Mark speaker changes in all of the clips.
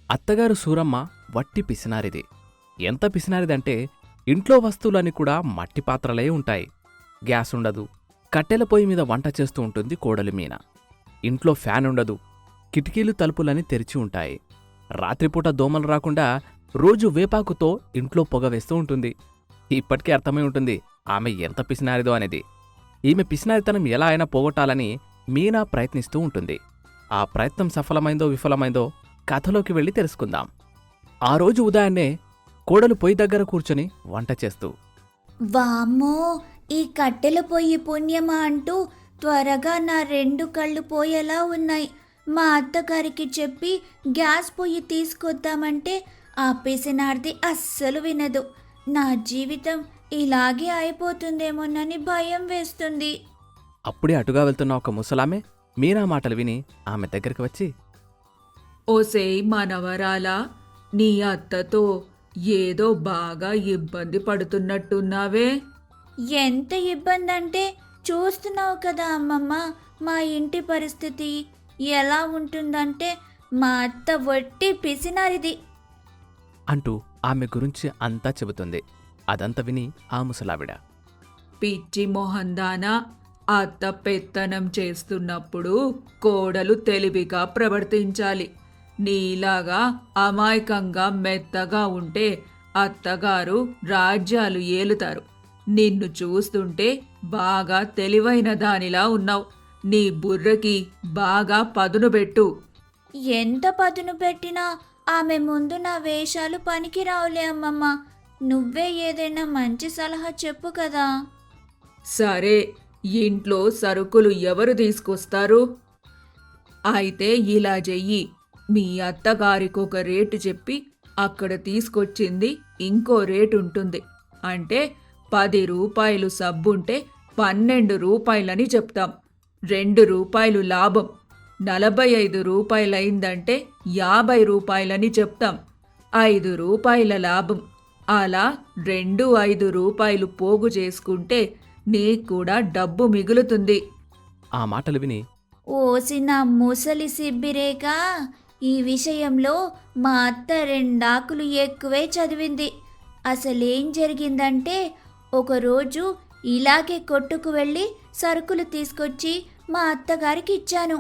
Speaker 1: అత్తగారు సూరమ్మ వట్టి పిసినారిది. ఎంత పిసినారిదంటే ఇంట్లో వస్తువులన్నీ కూడా మట్టి పాత్రలే ఉంటాయి. గ్యాసుండదు. కట్టెల పొయ్యి మీద వంట చేస్తూ ఉంటుంది కోడలి మీన. ఇంట్లో ఫ్యాన్ ఉండదు. కిటికీలు తలుపులని తెరిచి ఉంటాయి. రాత్రిపూట దోమలు రాకుండా రోజు వేపాకుతో ఇంట్లో పొగ వేస్తూ ఉంటుంది. ఇప్పటికే అర్థమై ఉంటుంది ఆమె ఎంత పిసినారిదో అనేది. ఈమె పిసినారితనం ఎలా అయినా పోగొట్టాలని మీనా ప్రయత్నిస్తూ ఉంటుంది. ఆ ప్రయత్నం సఫలమైందో విఫలమైందో కథలోకి వెళ్ళి తెలుసుకుందాం. ఆ రోజు ఉదయాన్నే కోడలు పొయ్యి దగ్గర కూర్చొని వంట చేస్తూ,
Speaker 2: వామ్మో, ఈ కట్టెల పొయ్యి పుణ్యమా అంటూ త్వరగా నా 2 కళ్ళు పోయేలా ఉన్నాయి. మా అత్తగారికి చెప్పి గ్యాస్ పొయ్యి తీసుకొద్దామంటే ఆ పిసినార్ది అస్సలు వినదు. నా జీవితం ఇలాగే అయిపోతుందేమోనని భయం వేస్తుంది.
Speaker 1: అప్పుడే అటుగా వెళ్తున్న ఒక ముసలామె మీనా మాటలు విని ఆమె దగ్గరికి వచ్చి,
Speaker 3: ఓసేయ్ మనవరాలా, నీ అత్తతో ఏదో బాగా ఇబ్బంది పడుతున్నట్టున్నావే.
Speaker 2: ఎంత ఇబ్బంది అంటే చూస్తున్నావు కదా అమ్మమ్మ, మా ఇంటి పరిస్థితి ఎలా ఉంటుందంటే మా అత్త వట్టి పిసినారిది
Speaker 1: అంటూ ఆమె గురించి అంతా చెబుతుంది. అదంతా విని ఆ ముసలావిడ,
Speaker 3: పిచ్చి మొహందానా, అత్త పెత్తనం చేస్తున్నప్పుడు కోడలు తెలివిగా ప్రవర్తించాలి. నీలాగా అమాయకంగా మెత్తగా ఉంటే అత్తగారు రాజ్యాలు ఏలుతారు. నిన్ను చూస్తుంటే బాగా తెలివైన దానిలా ఉన్నావు. నీ బుర్రకి బాగా పదును పెట్టు.
Speaker 2: ఎంత పదును పెట్టినా ఆమె ముందు నా వేషాలు పనికిరావులే అమ్మమ్మ. నువ్వే ఏదైనా మంచి సలహా చెప్పు కదా.
Speaker 3: సరే, ఇంట్లో సరుకులు ఎవరు తీసుకొస్తారు? అయితే ఇలా చెయ్యి, మీ అత్తగారికొక రేటు చెప్పి అక్కడ తీసుకొచ్చింది ఇంకో రేటు ఉంటుంది. అంటే 10 రూపాయలు సబ్బుంటే 12 రూపాయలని చెప్తాం. 2 రూపాయలు లాభం. 45 రూపాయలైందంటే 50 రూపాయలని చెప్తాం. 5 రూపాయల లాభం. అలా 5 రూపాయలు పోగు చేసుకుంటే నీకు కూడా డబ్బు మిగులుతుంది.
Speaker 1: ఆ మాటలు విని,
Speaker 2: ఓసిన ముసలి సిబ్బిరేగా, ఈ విషయంలో మా అత్త 2 ఆకులు ఎక్కువే చదివింది. అసలేం జరిగిందంటే ఒకరోజు ఇలాగే కొట్టుకు వెళ్ళి సరుకులు తీసుకొచ్చి మా అత్తగారికి ఇచ్చాను.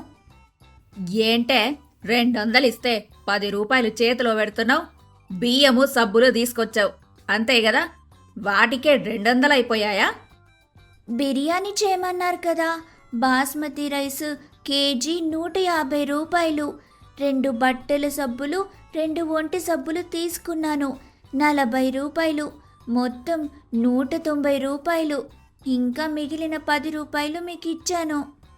Speaker 4: ఏంటే 200 ఇస్తే 10 రూపాయలు చేతిలో పెడుతున్నావు? బియ్యము సబ్బులు తీసుకొచ్చావు అంతే కదా, వాటికే 200 అయిపోయాయా?
Speaker 2: బిర్యానీ చేయమన్నారు కదా, బాస్మతి రైస్ కేజీ 150 రూపాయలు. 2 బట్టల సబ్బులు 2 ఒంటి సబ్బులు తీసుకున్నాను, 40 రూపాయలు. మొత్తం 190 రూపాయలు. ఇంకా మిగిలిన 10 రూపాయలు మీకు ఇచ్చాను.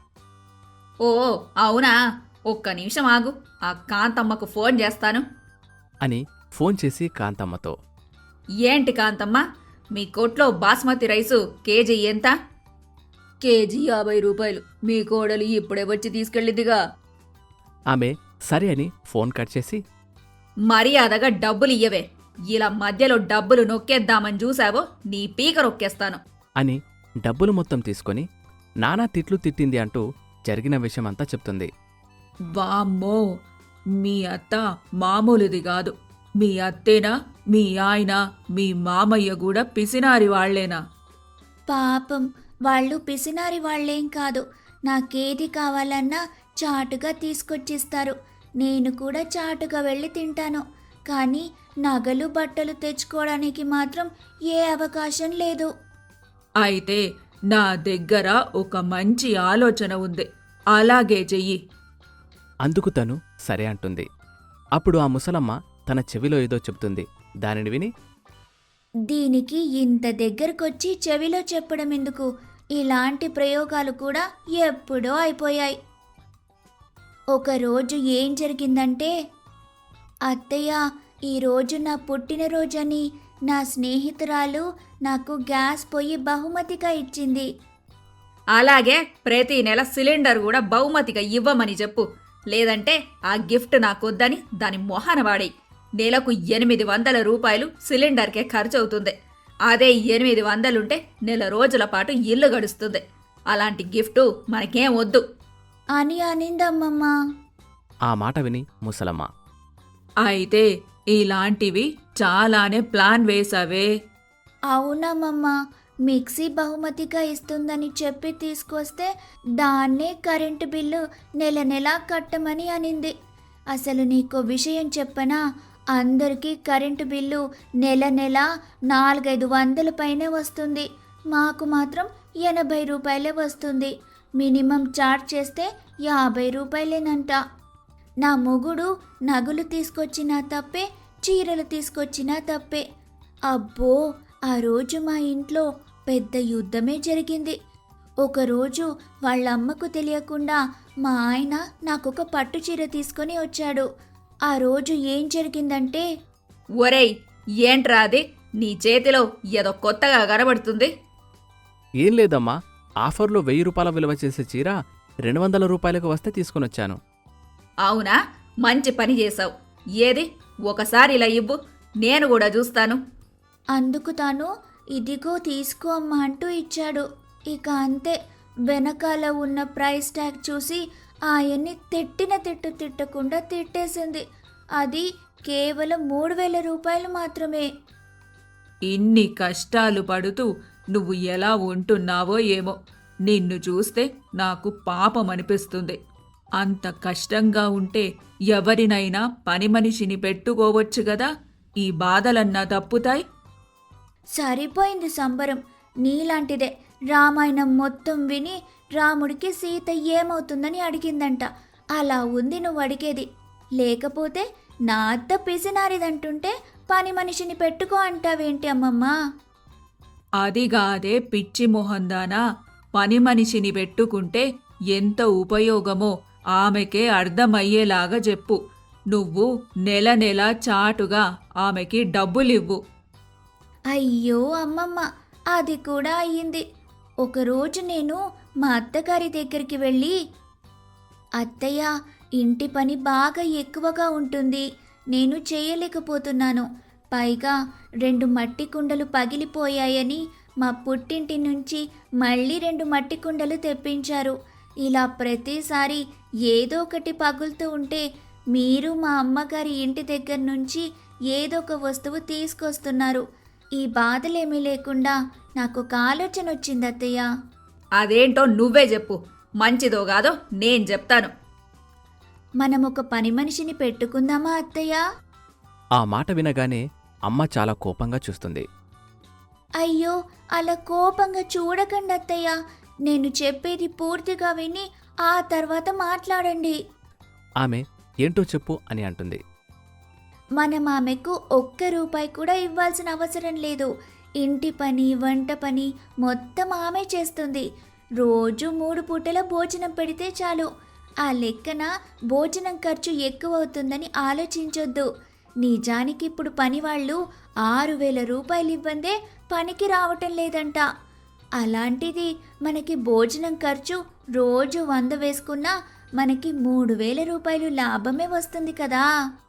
Speaker 4: ఓ అవునా, ఒక్క నిమిషం ఆగు, ఆ కాంతమ్మకు ఫోన్ చేస్తాను
Speaker 1: అని ఫోన్ చేసి కాంతమ్మతో,
Speaker 4: ఏంటి కాంతమ్మ, మీ కొట్లో బాస్మతి రైసు కేజీ ఎంత?
Speaker 3: కేజీ 50 రూపాయలు. మీ కోడలు ఇప్పుడే వచ్చి తీసుకెళ్ళిదిగా.
Speaker 1: ఆమె సరే అని ఫోన్ కట్ చేసి,
Speaker 4: మర్యాదగా డబ్బులు ఇయ్యవే. ఇలా మధ్యలో డబ్బులు నొక్కేద్దామని చూసావో నీ పీక నొక్కేస్తాను
Speaker 1: అని డబ్బులు మొత్తం తీసుకొని నానా తిట్లు తిట్టింది అంటూ జరిగిన విషయమంతా చెప్తుంది.
Speaker 3: వామ్మో, మీ అత్త మామూలుది కాదు. మీ అత్తేనా, మీ ఆయన, మీ మామయ్య కూడా పిసినారి వాళ్లేనా?
Speaker 2: పాపం, వాళ్ళు పిసినారి వాళ్ళేం కాదు. నాకేది కావాలన్నా చాటుగా తీసుకొచ్చిస్తారు. నేను కూడా చాటుగా వెళ్ళి తింటాను. కానీ నగలు బట్టలు తెచ్చుకోవడానికి మాత్రం ఏ అవకాశం లేదు.
Speaker 3: అయితే నా దగ్గర ఒక మంచి ఆలోచన ఉంది, అలాగే చెయ్యి.
Speaker 1: అందుకు తను సరే అంటుంది. అప్పుడు ఆ ముసలమ్మ తన చెవిలో ఏదో చెప్తుంది. దానిని విని,
Speaker 2: దీనికి ఇంత దగ్గరకొచ్చి చెవిలో చెప్పడం ఎందుకు? ఇలాంటి ప్రయోగాలు కూడా ఎప్పుడో అయిపోయాయి. ఒకరోజు ఏం జరిగిందంటే, అత్తయ్య, ఈరోజు నా పుట్టినరోజని నా స్నేహితురాలు నాకు గ్యాస్ పొయ్యి బహుమతిగా ఇచ్చింది.
Speaker 4: అలాగే ప్రతి నెల సిలిండర్ కూడా బహుమతిగా ఇవ్వమని చెప్పు. లేదంటే ఆ గిఫ్ట్ నాకొద్దని దాని మొహన వాడి. నెలకు 800 రూపాయలు సిలిండర్కే ఖర్చు అవుతుంది. అదే 800 ఉంటే నెల రోజుల పాటు ఇల్లు గడుస్తుంది. అలాంటి గిఫ్టు మనకేం వద్దు
Speaker 2: అని అనిందమ్మమ్మ.
Speaker 1: ఆ మాట విని ముసలమ్మ,
Speaker 3: అయితే ఇలాంటివి చాలానే ప్లాన్ వేసావే.
Speaker 2: అవునమ్మమ్మ, మిక్సీ బహుమతిగా ఇస్తుందని చెప్పి తీసుకొస్తే దాన్నే కరెంటు బిల్లు నెల నెలా కట్టమని అనింది. అసలు నీకో విషయం చెప్పనా, అందరికీ కరెంటు బిల్లు నెల నెల 4-500 పైనే వస్తుంది. మాకు మాత్రం 80 రూపాయలే వస్తుంది. మినిమం చార్జ్ చేస్తే 50 రూపాయలేనంట. నా మొగుడు నగలు తీసుకొచ్చినా తప్పే, చీరలు తీసుకొచ్చినా తప్పే. అబ్బో, ఆ రోజు మా ఇంట్లో పెద్ద యుద్ధమే జరిగింది. ఒకరోజు వాళ్ళమ్మకు తెలియకుండా మా ఆయన నాకొక పట్టు చీర తీసుకొని వచ్చాడు. ఆ రోజు ఏం జరిగిందంటే,
Speaker 4: ఒరేయ్, ఏంట్రా అది నీ చేతిలో ఏదో కొత్తగా కనబడుతుంది?
Speaker 1: ఏం లేదమ్మా, ఆఫర్లో 1000 రూపాయల విలువ చేసే చీర 200 రూపాయలకు వస్తే తీసుకొనొచ్చాను.
Speaker 4: అవునా, మంచి పని చేశావు. ఏది ఒకసారి ఇలా ఇవ్వు, నేను కూడా చూస్తాను.
Speaker 2: అందుకు తాను ఇదిగో తీసుకో అమ్మా అంటూ ఇచ్చాడు. ఇక అంతే, వెనకాల ఉన్న ప్రైస్ ట్యాగ్ చూసి ఆయన్ని తిట్టిన తిట్టు తిట్టకుండా తిట్టేసింది. అది కేవలం 3000 రూపాయలు మాత్రమే.
Speaker 3: ఇన్ని కష్టాలు పడుతూ నువ్వు ఎలా ఉంటున్నావో ఏమో. నిన్ను చూస్తే నాకు పాపం అనిపిస్తుంది. అంత కష్టంగా ఉంటే ఎవరినైనా పని మనిషిని పెట్టుకోవచ్చు గదా, ఈ బాధలన్నా తప్పుతాయి.
Speaker 2: సరిపోయింది సంబరం, నీలాంటిదే. రామాయణం మొత్తం విని రాముడికి సీత ఏమవుతుందని అడిగిందంట. అలా ఉంది నువ్వు అడిగేది. లేకపోతే నా అత్త పిసినారిదంటుంటే పని మనిషిని పెట్టుకో అంటావేంటి అమ్మమ్మా?
Speaker 3: అదిగాదే పిచ్చి మొహందానా, పని మనిషిని పెట్టుకుంటే ఎంత ఉపయోగమో ఆమెకే అర్థమయ్యేలాగా చెప్పు. నువ్వు నెల నెల చాటుగా ఆమెకి డబ్బులివ్వు.
Speaker 2: అయ్యో అమ్మమ్మ, అది కూడా అయ్యింది. ఒకరోజు నేను మా అత్తగారి దగ్గరికి వెళ్ళి, అత్తయ్య, ఇంటి పని బాగా ఎక్కువగా ఉంటుంది, నేను చేయలేకపోతున్నాను. పైగా 2 మట్టి కుండలు పగిలిపోయాయని మా పుట్టింటి నుంచి మళ్ళీ 2 మట్టి కుండలు తెప్పించారు. ఇలా ప్రతిసారి ఏదో ఒకటి పగులుతూ ఉంటే మీరు మా అమ్మగారి ఇంటి దగ్గర నుంచి ఏదో ఒక వస్తువు తీసుకొస్తున్నారు. ఈ బాధలేమీ లేకుండా నాకు ఒక ఆలోచన వచ్చింది అత్తయ్య.
Speaker 4: అదేంటో నువ్వే చెప్పు, మంచిదో కాదో నేను చెప్తాను.
Speaker 2: మనం ఒక పని మనిషిని పెట్టుకుందామా అత్తయ్య?
Speaker 1: ఆ మాట వినగానే అమ్మ చాలా కోపంగా చూస్తుంది.
Speaker 2: అయ్యో, అలా కోపంగా చూడకండి అత్తయ్య. నేను చెప్పేది పూర్తిగా విని ఆ తర్వాత మాట్లాడండి.
Speaker 1: ఆమె ఏంటో చెప్పు అని అంటుంది.
Speaker 2: మనం ఆమెకు 1 రూపాయి కూడా ఇవ్వాల్సిన అవసరం లేదు. ఇంటి పని, వంట పని మొత్తం ఆమె చేస్తుంది. రోజు 3 పూటల భోజనం పెడితే చాలు. ఆ లెక్కన భోజనం ఖర్చు ఎక్కువ అవుతుందని ఆలోచించొద్దు. నిజానికి ఇప్పుడు పనివాళ్ళు 6000 రూపాయలు ఇవ్వందే పనికి రావటం లేదంట. అలాంటిది మనకి భోజనం ఖర్చు రోజు 100 వేసుకున్నా మనకి 3000 రూపాయలు లాభమే వస్తుంది కదా.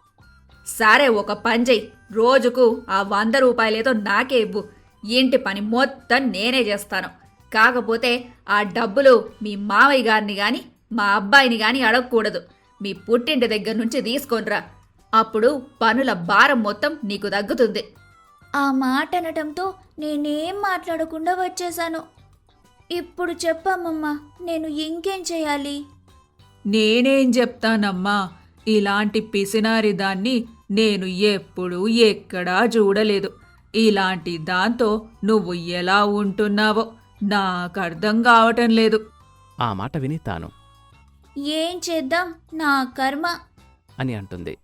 Speaker 4: సరే, ఒక పని చెయ్యి, రోజుకు ఆ 100 రూపాయలేదో నాకే ఇవ్వు. ఇంటి పని మొత్తం నేనే చేస్తాను. కాకపోతే ఆ డబ్బులు మీ మావయ్య గారిని గాని మా అబ్బాయిని గాని అడగకూడదు. మీ పుట్టింటి దగ్గర నుంచి తీసుకొనిరా. అప్పుడు పనుల భారం మొత్తం నీకు తగ్గుతుంది.
Speaker 2: ఆ మాట అనటంతో నేనేం మాట్లాడకుండా వచ్చేశాను. ఇప్పుడు చెప్పమ్మమ్మ, నేను ఇంకేం చేయాలి?
Speaker 3: నేనేం చెప్తానమ్మా, ఇలాంటి పిసినారి దాన్ని నేను ఎప్పుడూ ఎక్కడా చూడలేదు. ఇలాంటి దాంతో నువ్వు ఎలా ఉంటున్నావో నాకర్థం కావటం లేదు.
Speaker 1: ఆ మాట విని తాను
Speaker 2: ఏం చేద్దాం, నా కర్మ
Speaker 1: అని అంటుంది.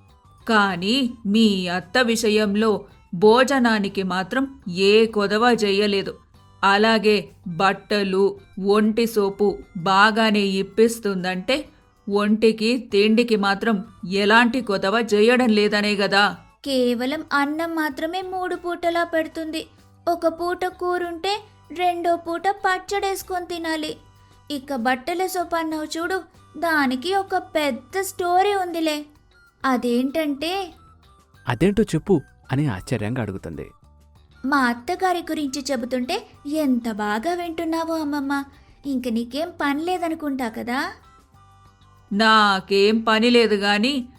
Speaker 3: కానీ మీ అత్త విషయంలో భోజనానికి మాత్రం ఏ కొదవ చెయ్యలేదు. అలాగే బట్టలు, ఒంటి సోపు బాగానే ఇప్పిస్తుందంటే ఒంటికి తిండికి మాత్రం ఎలాంటి కొదవ చేయడం లేదనే గదా.
Speaker 2: కేవలం అన్నం మాత్రమే 3 పూటలా పెడుతుంది. ఒక పూట కూరుంటే 2వ పూట పచ్చడేసుకొని తినాలి. ఇక బట్టల సోపన్నావు చూడు, దానికి ఒక పెద్ద స్టోరీ ఉందిలే. అదేంటంటే,
Speaker 1: అదేంటో చెప్పు అని ఆశ్చర్యంగా అడుగుతుంది.
Speaker 2: మా అత్తగారి గురించి చెబుతుంటే ఎంత బాగా వింటున్నావో అమ్మమ్మ. ఇంక నీకేం పని లేదనుకుంటా కదా.
Speaker 3: నాకేం పని లేదు గాని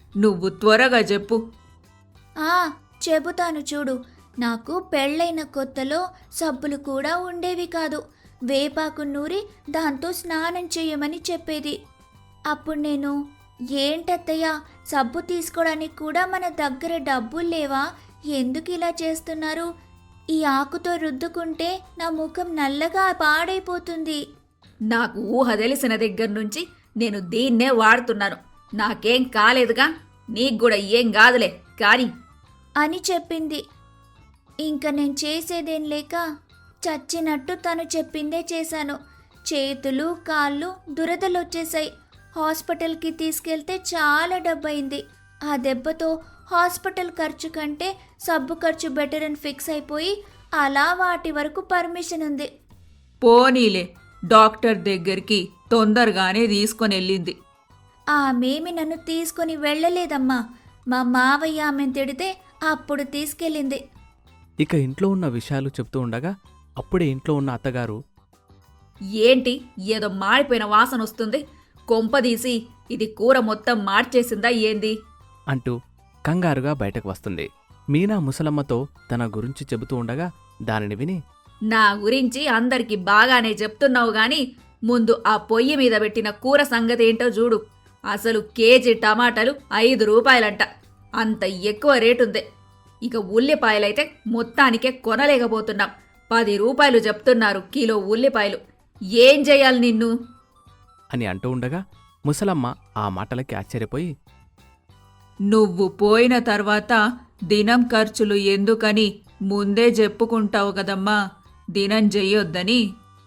Speaker 3: నువ్వు త్వరగా చెప్పు.
Speaker 2: ఆ చెబుతాను చూడు. నాకు పెళ్ళైన కొత్తలో సబ్బులు కూడా ఉండేవి కాదు. వేపాకు నూరి దాంతో స్నానం చేయమని చెప్పేది. అప్పుడు నేను, ఏంటత్తయ్య, సబ్బు తీసుకోవడానికి కూడా మన దగ్గర డబ్బులు లేవా? ఎందుకు ఇలా చేస్తున్నారు? ఈ ఆకుతో రుద్దుకుంటే నా ముఖం నల్లగా పాడైపోతుంది
Speaker 4: నాకు ఊహ తెలిసిన దగ్గర నుంచి నేను దీన్నే వాడుతున్నాను. నాకేం కాలేదుగా, నీకు కూడా ఏం కాదులే కానీ
Speaker 2: అని చెప్పింది. ఇంక నేను చేసేదేం లేక చచ్చినట్టు తను చెప్పిందే చేశాను. చేతులు కాళ్ళు దురదలొచ్చేశాయి. హాస్పిటల్కి తీసుకెళ్తే చాలా డబ్బయింది. ఆ దెబ్బతో హాస్పిటల్ ఖర్చు కంటే సబ్బు ఖర్చు బెటర్ అని ఫిక్స్ అయిపోయి అలా వాటి వరకు పర్మిషన్ ఉంది.
Speaker 3: పోనీలే, డాక్టర్ దగ్గరికి తొందరగానే తీసుకొని వెళ్ళింది.
Speaker 2: ఆమెమి నన్ను తీసుకొని వెళ్ళలేదమ్మా. మా మావయ్య ఆమెను తిడితే అప్పుడు తీసుకెళ్ళింది.
Speaker 1: ఇక ఇంట్లో ఉన్న విషయాలు చెప్తూ ఉండగా అప్పుడే ఇంట్లో ఉన్న అత్తగారు,
Speaker 4: ఏంటి ఏదో మాడిపోయిన వాసన వస్తుంది, కొంపదీసి ఇది కూర మొత్తం మార్చేసిందా ఏంది?
Speaker 1: అంటూ కంగారుగా బయటకు వస్తుంది. మీనా ముసలమ్మతో తన గురించి చెబుతూ ఉండగా దానిని విని,
Speaker 4: నా గురించి అందరికి బాగానే చెప్తున్నావు గాని ముందు ఆ పొయ్యి మీద పెట్టిన కూర సంగతి ఏంటో చూడు. అసలు కేజీ టమాటాలు 5 రూపాయలంట. అంత ఎక్కువ రేటుంది. ఇక ఉల్లిపాయలైతే మొత్తానికే కొనలేకపోతున్నాం. 10 రూపాయలు చెప్తున్నారు కిలో ఉల్లిపాయలు. ఏం చెయ్యాలి నిన్ను?
Speaker 1: అని అంటూ ఉండగా ముసలమ్మ ఆ మాటలకి ఆశ్చర్యపోయి,
Speaker 3: నువ్వు పోయిన తర్వాత దినం ఖర్చులు ఎందుకని ముందే చెప్పుకుంటావు కదమ్మా, దినం చెయ్యొద్దని.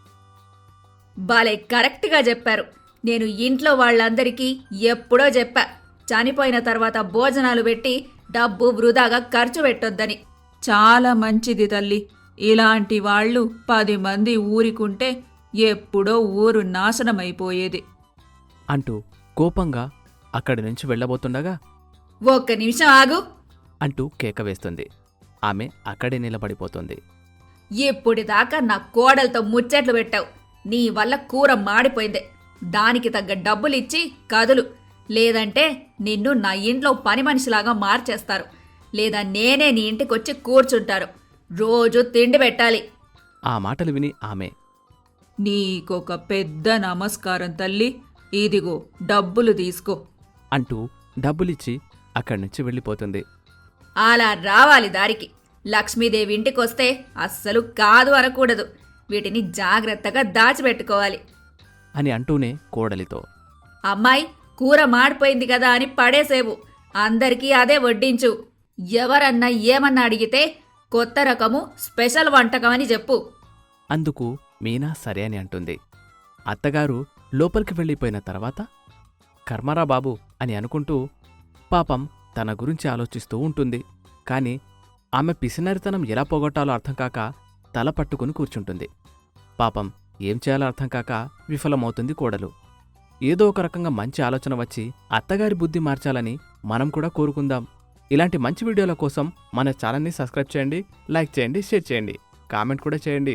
Speaker 4: బాలే కరెక్ట్గా చెప్పారు. నేను ఇంట్లో వాళ్ళందరికీ ఎప్పుడో చెప్పా, చనిపోయిన తర్వాత భోజనాలు పెట్టి డబ్బు వృధాగా ఖర్చు పెట్టొద్దని.
Speaker 3: చాలా మంచిది తల్లి. ఇలాంటి వాళ్ళు 10 మంది ఊరికుంటే ఎప్పుడో ఊరు నాశనమైపోయేది.
Speaker 1: అంటూ కోపంగా అక్కడి నుంచి వెళ్ళబోతుండగా
Speaker 4: ఒక్క నిమిషం ఆగు.
Speaker 1: అంటూ కేక వేస్తుంది. ఆమె అక్కడే నిలబడిపోతుంది.
Speaker 4: ఇప్పుడిదాకా నా కోడలతో ముచ్చట్లు పెట్టావు. నీ వల్ల కూర మాడిపోయింది. దానికి తగ్గ డబ్బులిచ్చి కదులు, లేదంటే నిన్ను నా ఇంట్లో పని మనిషిలాగా మార్చేస్తారు. లేదా నేనే నీ ఇంటికొచ్చి కూర్చుంటారు. రోజు తిండి పెట్టాలి.
Speaker 1: ఆ మాటలు విని ఆమె,
Speaker 3: నీకొక పెద్ద నమస్కారం తల్లి, ఇదిగో డబ్బులు తీసుకో
Speaker 1: అంటూ డబ్బులిచ్చి అక్కడి నుంచి వెళ్ళిపోతుంది.
Speaker 4: అలా రావాలి దారికి. లక్ష్మీదేవి ఇంటికొస్తే అస్సలు కాదు అనకూడదు. వీటిని జాగ్రత్తగా దాచిపెట్టుకోవాలి.
Speaker 1: అని అంటూనే కోడలితో,
Speaker 4: అమ్మాయి, కూర మాడిపోయింది కదా అని పడేసేవు. అందరికీ అదే వడ్డించు. ఎవరన్నా ఏమన్నా అడిగితే కొత్త రకము స్పెషల్ వంటకం అని చెప్పు.
Speaker 1: అందుకు మీనా సరే అని అంటుంది. అత్తగారు లోపలికి వెళ్ళిపోయిన తర్వాత కర్మరా బాబు అని అనుకుంటూ పాపం తన గురించి ఆలోచిస్తూ ఉంటుంది. కాని ఆమె పిసినరితనం ఎలా పోగొట్టాలో అర్థం కాక తల పట్టుకుని కూర్చుంటుంది. పాపం ఏం చేయాలో అర్థం కాక విఫలమవుతుంది కోడలు. ఏదో ఒక రకంగా మంచి ఆలోచన వచ్చి అత్తగారి బుద్ధి మార్చాలని మనం కూడా కోరుకుందాం. ఇలాంటి మంచి వీడియోల కోసం మన ఛానల్ని సబ్స్క్రైబ్ చేయండి, లైక్ చేయండి, షేర్ చేయండి, కామెంట్ కూడా చేయండి.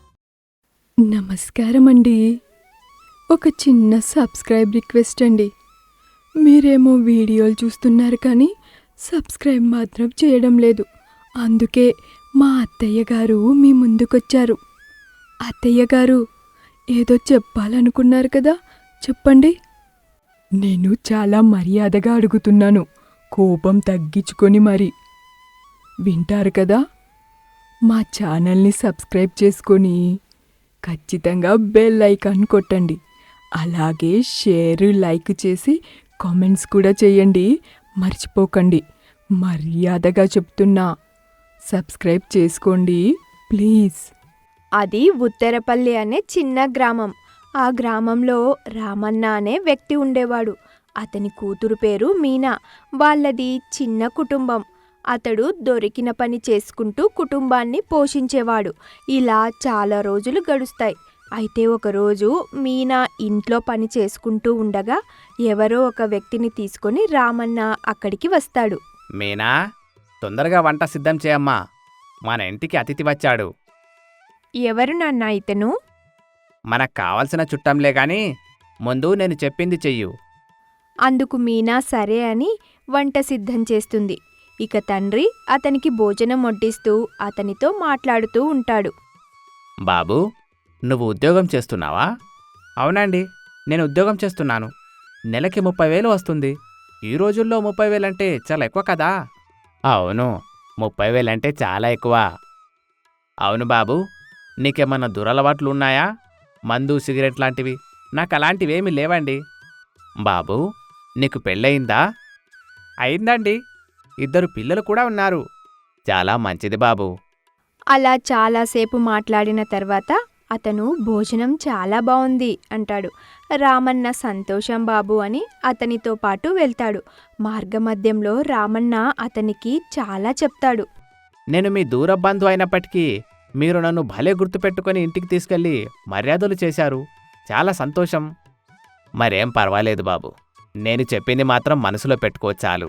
Speaker 5: నమస్కారం అండి. ఒక చిన్న సబ్స్క్రైబ్ రిక్వెస్ట్ అండి. మీరేమో వీడియోలు చూస్తున్నారు కానీ సబ్స్క్రైబ్ మాత్రం చేయడం లేదు. అందుకే మా అత్తయ్య గారు మీ ముందుకొచ్చారు. అత్తయ్య గారు ఏదో చెప్పాలనుకున్నారు కదా, చెప్పండి. నేను చాలా మర్యాదగా అడుగుతున్నాను, కోపం తగ్గించుకొని మరి. వింటారు కదా? మా ఛానల్ని సబ్స్క్రైబ్ చేసుకొని ఖచ్చితంగా బెల్ ఐకాన్ కొట్టండి. అలాగే షేర్, లైక్ చేసి కామెంట్స్ కూడా చేయండి. మర్చిపోకండి. మర్యాదగా చెప్తున్నా, సబ్స్క్రైబ్ చేసుకోండి ప్లీజ్.
Speaker 6: అది ఉత్తరపల్లి అనే చిన్న గ్రామం. ఆ గ్రామంలో రామన్న అనే వ్యక్తి ఉండేవాడు. అతని కూతురు పేరు మీనా. వాళ్ళది చిన్న కుటుంబం. అతడు దొరికిన పని చేసుకుంటూ కుటుంబాన్ని పోషించేవాడు. ఇలా చాలా రోజులు గడుస్తాయి. అయితే ఒకరోజు మీనా ఇంట్లో పని చేసుకుంటూ ఉండగా ఎవరో ఒక వ్యక్తిని తీసుకొని రామన్న అక్కడికి వస్తాడు.
Speaker 1: మీనా, తొందరగా వంట సిద్ధం చేయమ్మా, మన ఇంటికి అతిథి వచ్చాడు.
Speaker 6: ఎవరు నాన్న ఇతను?
Speaker 1: మనకు కావలసిన చుట్టంలే గాని ముందు నేను చెప్పింది చెయ్యు.
Speaker 6: అందుకు మీనా సరే అని వంట సిద్ధం చేస్తుంది. ఇక తండ్రి అతనికి భోజనం వడ్డిస్తూ అతనితో మాట్లాడుతూ ఉంటాడు.
Speaker 1: బాబూ, నువ్వు ఉద్యోగం చేస్తున్నావా? అవునండి, నేను ఉద్యోగం చేస్తున్నాను. నెలకి 30,000 వస్తుంది. ఈ రోజుల్లో 30,000 అంటే చాలా ఎక్కువ కదా? అవును, 30,000 అంటే చాలా ఎక్కువ. అవును బాబూ, నీకేమన్నా దురలవాట్లు ఉన్నాయా? మందు, సిగరెట్ లాంటివి? నాకు అలాంటివేమీ లేవండి. బాబూ, నీకు పెళ్ళయిందా? అయిందండి. 2 పిల్లలు కూడా ఉన్నారు. చాలా మంచిది బాబూ.
Speaker 6: అలా చాలాసేపు మాట్లాడిన తర్వాత అతను భోజనం చాలా బావుంది అంటాడు. రామన్న సంతోషం బాబు అని అతనితో పాటు వెళ్తాడు. మార్గమధ్యంలో రామన్న అతనికి చాలా చెప్తాడు.
Speaker 1: నేను మీ దూర బంధు అయినప్పటికీ మీరు నన్ను భలే గుర్తుపెట్టుకొని ఇంటికి తీసుకెళ్ళి మర్యాదలు చేశారు. చాలా సంతోషం. మరేం పర్వాలేదు బాబు, నేను చెప్పింది మాత్రం మనసులో పెట్టుకో చాలు.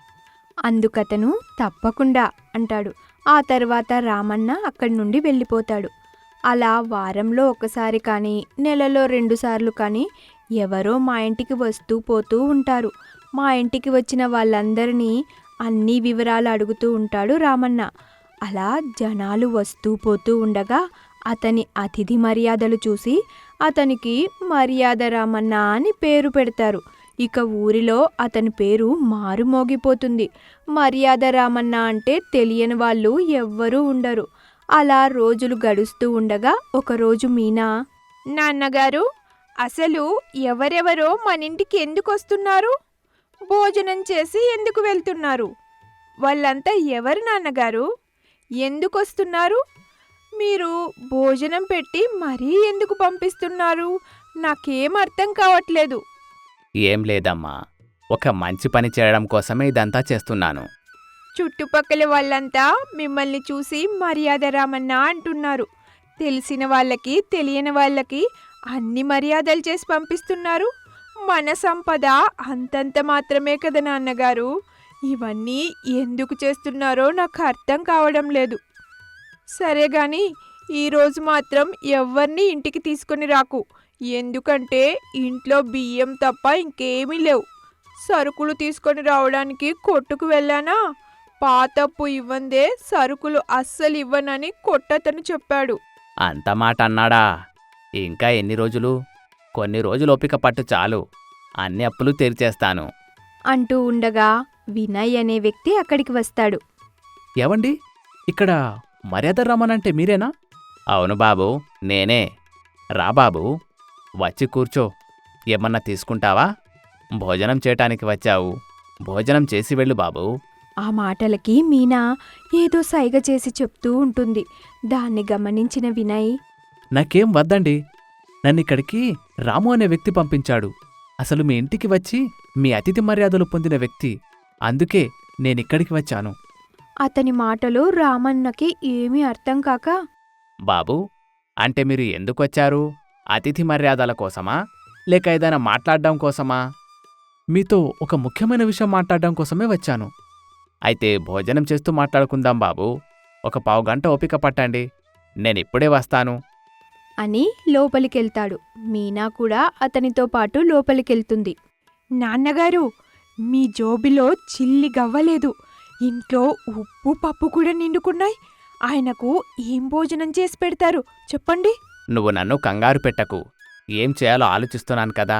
Speaker 6: అందుకతను తప్పకుండా అంటాడు. ఆ తర్వాత రామన్న అక్కడి నుండి వెళ్ళిపోతాడు. అలా వారంలో ఒకసారి కానీ నెలలో 2 సార్లు కానీ ఎవరో మా ఇంటికి వస్తూ పోతూ ఉంటారు. మా ఇంటికి వచ్చిన వాళ్ళందరినీ అన్ని వివరాలు అడుగుతూ ఉంటాడు రామన్న. అలా జనాలు వస్తూ పోతూ ఉండగా అతని అతిథి మర్యాదలు చూసి అతనికి మర్యాద రామన్న అని పేరు పెడతారు. ఇక ఊరిలో అతని పేరు మారుమోగిపోతుంది. మర్యాద రామన్న అంటే తెలియని వాళ్ళు ఎవ్వరూ ఉండరు. అలా రోజులు గడుస్తూ ఉండగా ఒకరోజు మీనా, నాన్నగారు, అసలు ఎవరెవరో మనింటికి ఎందుకు వస్తున్నారు? భోజనం చేసి ఎందుకు వెళ్తున్నారు? వాళ్ళంతా ఎవరు నాన్నగారు? ఎందుకు వస్తున్నారు? మీరు భోజనం పెట్టి మరీ ఎందుకు పంపిస్తున్నారు? నాకేం అర్థం కావట్లేదు.
Speaker 1: ఏం లేదమ్మా, ఒక మంచి పని చేయడం కోసమే ఇదంతా చేస్తున్నాను.
Speaker 6: చుట్టుపక్కల వాళ్ళంతా మిమ్మల్ని చూసి మర్యాద రామన్న అంటున్నారు. తెలిసిన వాళ్ళకి తెలియని వాళ్ళకి అన్ని మర్యాదలు చేసి పంపిస్తున్నారు. మన సంపద అంతంత మాత్రమే కదా నాన్నగారు. ఇవన్నీ ఎందుకు చేస్తున్నారో నాకు అర్థం కావడం లేదు. సరే గాని ఈరోజు మాత్రం ఎవరిని ఇంటికి తీసుకొని రాకు. ఎందుకంటే ఇంట్లో బియ్యం తప్ప ఇంకేమీ లేవు. సరుకులు తీసుకొని రావడానికి కొట్టుకు వెళ్ళానా, పాతప్పు ఇవ్వందే సరుకులు అస్సలు ఇవ్వనని కొట్టతను చెప్పాడు.
Speaker 1: అంత మాట అన్నాడా? ఇంకా ఎన్ని రోజులు? కొన్ని రోజులు ఓపిక పట్టు చాలు, అన్ని అప్పులు తీర్చేస్తాను.
Speaker 6: అంటూ ఉండగా వినయ్ అనే వ్యక్తి అక్కడికి వస్తాడు.
Speaker 1: ఏవండి, ఇక్కడ మర్యాద రమ్మనంటే మీరేనా? అవును బాబూ, నేనే. రా బాబూ, వచ్చి కూర్చో. ఏమన్నా తీసుకుంటావా? భోజనం చేయటానికి వచ్చావు, భోజనం చేసి వెళ్ళు బాబూ.
Speaker 6: ఆ మాటలకి మీనా ఏదో సైగ చేసి చెప్తూ ఉంటుంది. దాన్ని గమనించిన వినయ్,
Speaker 1: నాకేం వద్దండి, నన్నిక్కడికి రాము అనే వ్యక్తి పంపించాడు. అసలు మీ ఇంటికి వచ్చి మీ అతిథి మర్యాదలు పొందిన వ్యక్తి. అందుకే నేనిక్కడికి వచ్చాను.
Speaker 6: అతని మాటలు రామన్నకి ఏమీ అర్థం కాక,
Speaker 1: బాబూ, అంటే మీరు ఎందుకొచ్చారు? అతిథి మర్యాదల కోసమా, లేక ఏదైనా మాట్లాడడం కోసమా? మీతో ఒక ముఖ్యమైన విషయం మాట్లాడడం కోసమే వచ్చాను. అయితే భోజనం చేస్తూ మాట్లాడుకుందాం బాబూ. ఒక పావుగంట ఓపిక పట్టండి, నేనిప్పుడే వస్తాను.
Speaker 6: అని లోపలికెళ్తాడు. మీనా కూడా అతనితో పాటు లోపలికెళ్తుంది. నాన్నగారు, మీ జోబిలో చిల్లి గవ్వలేదు. ఇంట్లో ఉప్పు పప్పు కూడా నిండుకున్నాయి. ఆయనకు ఏం భోజనం చేసి పెడతారు చెప్పండి
Speaker 1: నువ్వు నన్ను కంగారు పెట్టకు, ఏం చేయాలో ఆలోచిస్తున్నాను కదా.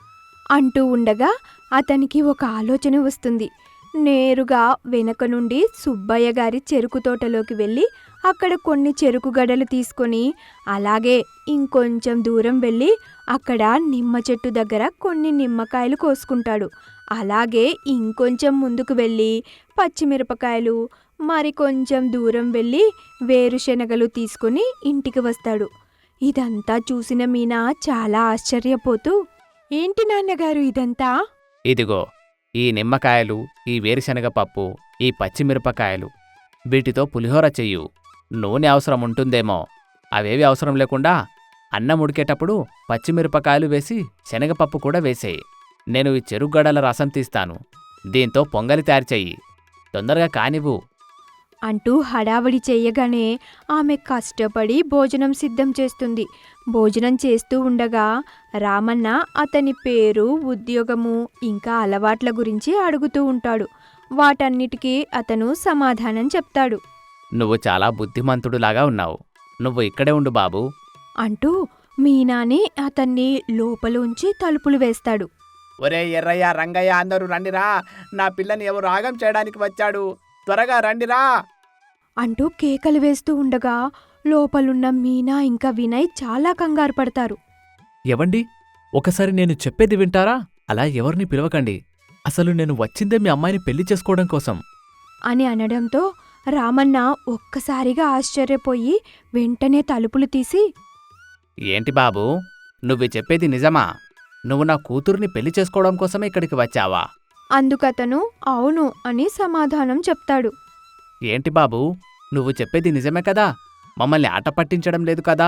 Speaker 6: అంటూ ఉండగా అతనికి ఒక ఆలోచన వస్తుంది. నేరుగా వెనక నుండి సుబ్బయ్య గారి చెరుకు తోటలోకి వెళ్ళి అక్కడ కొన్ని చెరుకు గడలు తీసుకొని అలాగే ఇంకొంచెం దూరం వెళ్ళి అక్కడ నిమ్మ చెట్టు దగ్గర కొన్ని నిమ్మకాయలు కోసుకుంటాడు. అలాగే ఇంకొంచెం ముందుకు వెళ్ళి పచ్చిమిరపకాయలు, మరికొంచెం దూరం వెళ్ళి వేరుశెనగలు తీసుకొని ఇంటికి వస్తాడు. ఇదంతా చూసిన మీనా చాలా ఆశ్చర్యపోతూ, ఏంటి నాన్నగారు ఇదంతా?
Speaker 1: ఇదిగో, ఈ నిమ్మకాయలు, ఈ వేరుశనగ పప్పు, ఈ పచ్చిమిరపకాయలు, వీటితో పులిహోర చెయ్యు. నూనె అవసరం ఉంటుందేమో, అవేవి అవసరం లేకుండా అన్నం ఉడికేటప్పుడు పచ్చిమిరపకాయలు వేసి శనగపప్పు కూడా వేసేయి. నేను ఈ చెరుగడల రసం తీస్తాను, దీంతో పొంగలి తయారు చెయ్యి. తొందరగా కానివ్వు.
Speaker 6: అంటూ హడావిడి చెయ్యగానే ఆమె కష్టపడి భోజనం సిద్ధం చేస్తుంది. భోజనం చేస్తూ ఉండగా రామన్న అతని పేరు, ఉద్యోగము ఇంకా అలవాట్ల గురించి అడుగుతూ ఉంటాడు. వాటన్నిటికీ అతను సమాధానం చెప్తాడు.
Speaker 1: నువ్వు చాలా బుద్ధిమంతుడులాగా ఉన్నావు. నువ్వు ఇక్కడే ఉండు బాబూ.
Speaker 6: అంటూ మీనాని అతన్ని లోపలుంచి తలుపులు వేస్తాడు.
Speaker 7: ఒరే ఎర్రయ్య, రంగయ్య, అందరూ రండిరా, నా పిల్లని ఎవరు ఆగం చేయడానికి వచ్చాడు, త్వరగా రండిరా.
Speaker 6: అంటూ కేకలు వేస్తూ ఉండగా లోపలున్న మీనా ఇంకా వినయ్ చాలా కంగారు పడతారు.
Speaker 1: ఎవండి, ఒకసారి నేను చెప్పేది వింటారా? అలా ఎవరిని పిలవకండి. అసలు నేను వచ్చిందే మీ అమ్మాయిని పెళ్లి చేసుకోవడం కోసం.
Speaker 6: అని అనడంతో రామన్న ఒక్కసారిగా ఆశ్చర్యపోయి వెంటనే తలుపులు తీసి,
Speaker 1: ఏంటి బాబూ, నువ్వు చెప్పేది నిజమా? నువ్వు నా కూతుర్ని పెళ్లి చేసుకోవడం కోసమే ఇక్కడికి వచ్చావా?
Speaker 6: అందుకతను అవును అని సమాధానం చెప్తాడు.
Speaker 1: ఏంటి బాబూ, నువ్వు చెప్పేది నిజమే కదా? మమ్మల్ని ఆట పట్టించడం లేదు కదా?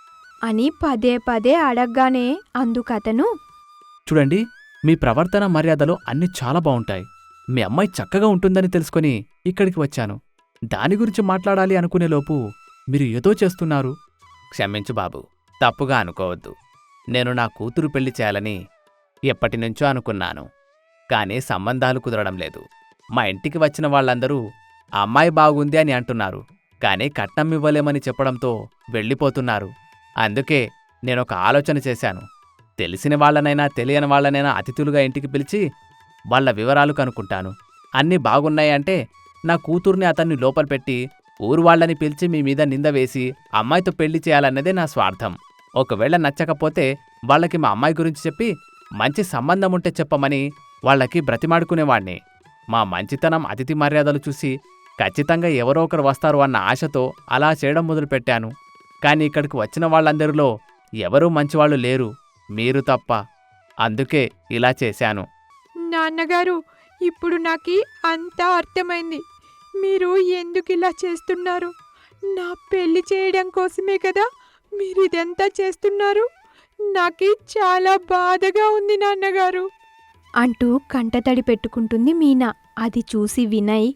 Speaker 6: అని పదే పదే అడగ్గానే అందుకతను,
Speaker 1: చూడండి, మీ ప్రవర్తన మర్యాదలు అన్నీ చాలా బావుంటాయి. మీ అమ్మాయి చక్కగా ఉంటుందని తెలుసుకొని ఇక్కడికి వచ్చాను. దాని గురించి మాట్లాడాలి అనుకునేలోపు మీరు ఏదో చేస్తున్నారు. క్షమించు బాబు, తప్పుగా అనుకోవద్దు. నేను నా కూతురు పెళ్లి చేయాలని ఎప్పటినుంచో అనుకున్నాను. కానీ సంబంధాలు కుదరడం లేదు. మా ఇంటికి వచ్చిన వాళ్ళందరూ ఆ అమ్మాయి బాగుంది అని అంటున్నారు. కానీ కట్నం ఇవ్వలేమని చెప్పడంతో వెళ్ళిపోతున్నారు. అందుకే నేనొక ఆలోచన చేశాను. తెలిసిన వాళ్ళనైనా తెలియని వాళ్ళనైనా అతిథులుగా ఇంటికి పిలిచి వాళ్ళ వివరాలు కనుక్కుంటాను. అన్నీ బాగున్నాయంటే నా కూతుర్ని అతన్ని లోపల పెట్టి ఊరు వాళ్ళని పిలిచి మీ మీద నింద వేసి అమ్మాయితో పెళ్లి చేయాలన్నదే నా స్వార్థం. ఒకవేళ నచ్చకపోతే వాళ్ళకి మా అమ్మాయి గురించి చెప్పి మంచి సంబంధం ఉంటే చెప్పమని వాళ్ళకి బ్రతిమాడుకునేవాణ్ణి. మా మంచితనం, అతిథి మర్యాదలు చూసి ఖచ్చితంగా ఎవరో ఒకరు వస్తారు అన్న ఆశతో అలా చేయడం మొదలుపెట్టాను. కానీ ఇక్కడికి వచ్చిన వాళ్ళందరిలో ఎవరూ మంచివాళ్ళు లేరు, మీరు తప్ప. అందుకే ఇలా చేశాను.
Speaker 5: నాన్నగారు, ఇప్పుడు నాకు అంతా అర్థమైంది. మీరు ఎందుకు ఇలా చేస్తున్నారు? నా పెళ్లి చేయడం కోసమే కదా మీరు ఇదంతా చేస్తున్నారు. నాకు చాలా బాధగా ఉంది నాన్నగారు.
Speaker 6: అంటూ కంటతడి పెట్టుకుంటుంది మీనా. అది చూసి వినయ్,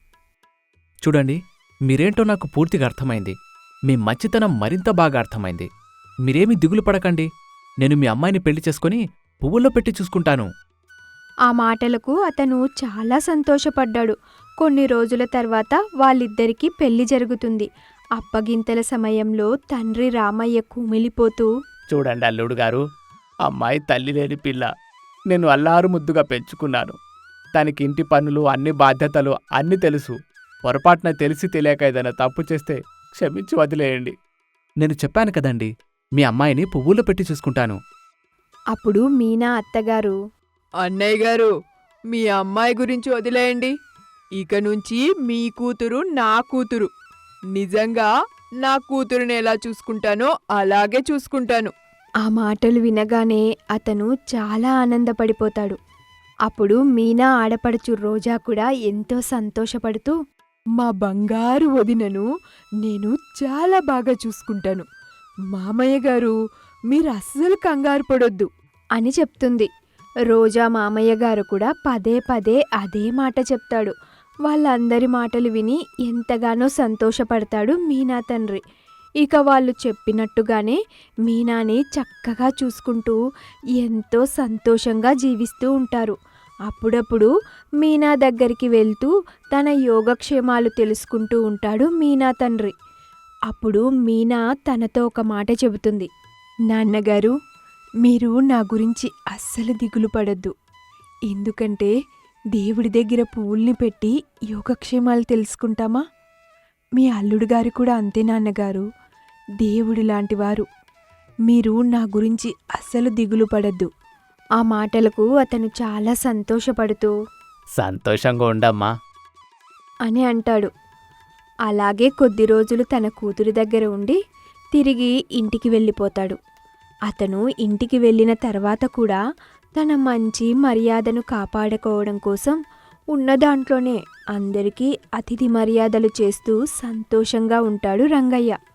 Speaker 1: చూడండి, మీరేంటో నాకు పూర్తిగా అర్థమైంది. మీ మంచితనం మరింత బాగా అర్థమైంది. మీరేమీ దిగులు పడకండి. నేను మీ అమ్మాయిని పెళ్లి చేసుకుని పువ్వుల్లో పెట్టి చూసుకుంటాను.
Speaker 6: ఆ మాటలకు అతను చాలా సంతోషపడ్డాడు. కొన్ని రోజుల తర్వాత వాళ్ళిద్దరికీ పెళ్లి జరుగుతుంది. అప్పగింతల సమయంలో తండ్రి రామయ్య కుమిలిపోతూ,
Speaker 7: చూడండి అల్లుడు గారు, అమ్మాయి తల్లి లేని పిల్ల. నేను అల్లారు ముద్దుగా పెంచుకున్నాను. తనకి ఇంటి పనులు, అన్ని బాధ్యతలు అన్నీ తెలుసు. పొరపాటున తెలిసి తెలియక ఏదైనా తప్పు చేస్తే క్షమించి వదిలేయండి.
Speaker 1: నేను చెప్పాను కదండి, మీ అమ్మాయిని పువ్వుల్లో పెట్టి చూసుకుంటాను.
Speaker 6: అప్పుడు మీనా అత్తగారు,
Speaker 5: అన్నయ్య గారు, మీ అమ్మాయి గురించి వదిలేయండి. ఇక నుంచి మీ కూతురు నా కూతురు. నిజంగా నా కూతురుని ఎలా చూసుకుంటానో అలాగే చూసుకుంటాను.
Speaker 6: ఆ మాటలు వినగానే అతను చాలా ఆనందపడిపోతాడు. అప్పుడు మీనా ఆడపడుచు రోజా కూడా ఎంతో సంతోషపడుతూ,
Speaker 5: మా బంగారు వదినను నేను చాలా బాగా చూసుకుంటాను. మామయ్య గారు, మీరు అస్సలు కంగారు పడొద్దు
Speaker 6: అని చెప్తుంది. రోజా మామయ్య గారు కూడా పదే పదే అదే మాట చెప్తాడు. వాళ్ళందరి మాటలు విని ఎంతగానో సంతోషపడతాడు మీనా తండ్రి. ఇక వాళ్ళు చెప్పినట్టుగానే మీనాని చక్కగా చూసుకుంటూ ఎంతో సంతోషంగా జీవిస్తూ ఉంటారు. అప్పుడప్పుడు మీనా దగ్గరికి వెళ్తూ తన యోగక్షేమాలు తెలుసుకుంటూ ఉంటాడు మీనా తండ్రి. అప్పుడు మీనా తనతో ఒక మాట చెబుతుంది.
Speaker 5: నాన్నగారు, మీరు నా గురించి అస్సలు దిగులు పడొద్దు. ఎందుకంటే దేవుడి దగ్గర పువ్వుల్ని పెట్టి యోగక్షేమాలు తెలుసుకుంటామా? మీ అల్లుడు గారు కూడా అంతే నాన్నగారు. దేవుడు లాంటివారు. మీరు నా గురించి అస్సలు దిగులు పడద్దు.
Speaker 6: ఆ మాటలకు అతను చాలా సంతోషపడుతూ,
Speaker 1: సంతోషంగా ఉండమ్మా
Speaker 6: అని అంటాడు. అలాగే కొద్ది రోజులు తన కూతురి దగ్గర ఉండి తిరిగి ఇంటికి వెళ్ళిపోతాడు. అతను ఇంటికి వెళ్ళిన తర్వాత కూడా తన మంచి మర్యాదను కాపాడుకోవడం కోసం ఉన్న దాంట్లోనే అందరికీ అతిథి మర్యాదలు చేస్తూ సంతోషంగా ఉంటాడు రంగయ్య.